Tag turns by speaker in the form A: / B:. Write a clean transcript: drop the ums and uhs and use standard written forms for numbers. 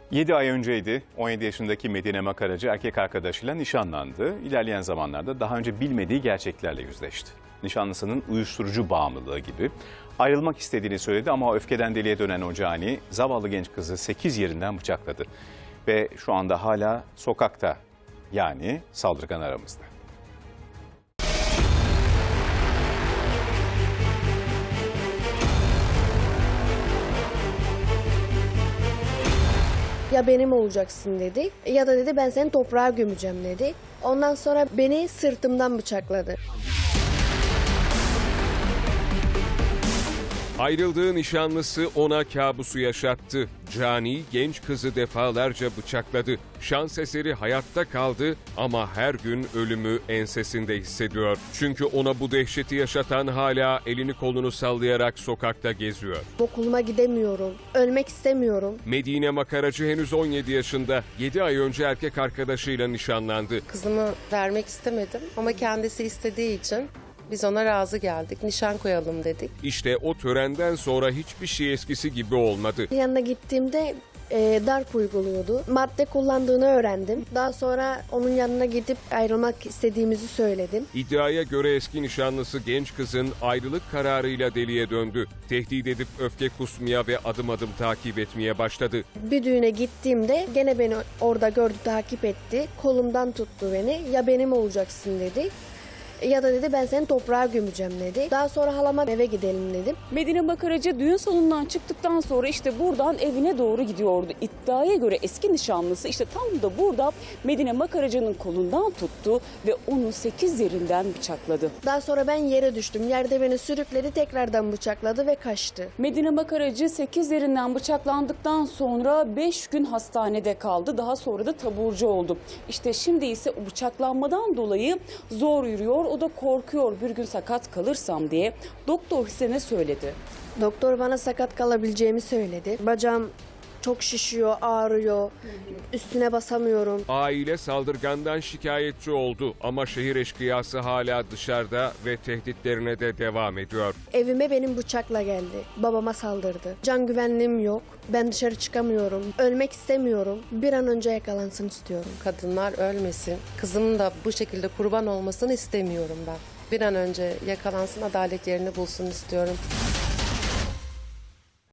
A: 7 ay önceydi. 17 yaşındaki Medine Makaracı erkek arkadaşıyla nişanlandı. İlerleyen zamanlarda daha önce bilmediği gerçeklerle yüzleşti. Nişanlısının uyuşturucu bağımlılığı gibi. Ayrılmak istediğini söyledi ama öfkeden deliye dönen o cani zavallı genç kızı 8 yerinden bıçakladı. Ve şu anda hala sokakta, yani saldırgan aramızda.
B: Ya benim olacaksın dedi ya da dedi ben seni toprağa gömeceğim dedi. Ondan sonra beni sırtımdan bıçakladı.
C: Ayrıldığı nişanlısı ona kabusu yaşattı. Cani genç kızı defalarca bıçakladı. Şans eseri hayatta kaldı ama her gün ölümü ensesinde hissediyor. Çünkü ona bu dehşeti yaşatan hala elini kolunu sallayarak sokakta geziyor.
B: Okuluma gidemiyorum, ölmek istemiyorum.
C: Medine Makaracı henüz 17 yaşında. 7 ay önce erkek arkadaşıyla nişanlandı.
D: Kızımı vermek istemedim ama kendisi istediği için biz ona razı geldik. Nişan koyalım dedik.
C: İşte o törenden sonra hiçbir şey eskisi gibi olmadı.
B: Yanına gittiğimde darp uyguluyordu. Madde kullandığını öğrendim. Daha sonra onun yanına gidip ayrılmak istediğimizi söyledim.
C: İddiaya göre eski nişanlısı genç kızın ayrılık kararıyla deliye döndü. Tehdit edip öfke kusmaya ve adım adım takip etmeye başladı.
B: Bir düğüne gittiğimde gene beni orada gördü, takip etti. Kolumdan tuttu beni. Ya benim olacaksın dedi. Ya da dedi ben seni toprağa gömeceğim dedi. Daha sonra halama eve gidelim dedim.
E: Medine Makaracı düğün salonundan çıktıktan sonra işte buradan evine doğru gidiyordu. İddiaya göre eski nişanlısı işte tam da burada Medine Makaracı'nın kolundan tuttu ve onu 8 yerinden bıçakladı.
B: Daha sonra ben yere düştüm. Yerde beni sürükledi, tekrardan bıçakladı ve kaçtı.
E: Medine Makaracı 8 yerinden bıçaklandıktan sonra 5 gün hastanede kaldı. Daha sonra da taburcu oldu. İşte şimdi ise o bıçaklanmadan dolayı zor yürüyor. O da korkuyor bir gün sakat kalırsam diye. Doktor size ne söyledi?
B: Doktor bana sakat kalabileceğimi söyledi. Bacağım çok şişiyor, ağrıyor. Üstüne basamıyorum.
C: Aile saldırgandan şikayetçi oldu ama şehir eşkıyası hala dışarıda ve tehditlerine de devam ediyor.
B: Evime benim bıçakla geldi. Babama saldırdı. Can güvenliğim yok. Ben dışarı çıkamıyorum. Ölmek istemiyorum. Bir an önce yakalansın istiyorum.
D: Kadınlar ölmesin. Kızımın da bu şekilde kurban olmasını istemiyorum ben. Bir an önce yakalansın, adalet yerini bulsun istiyorum.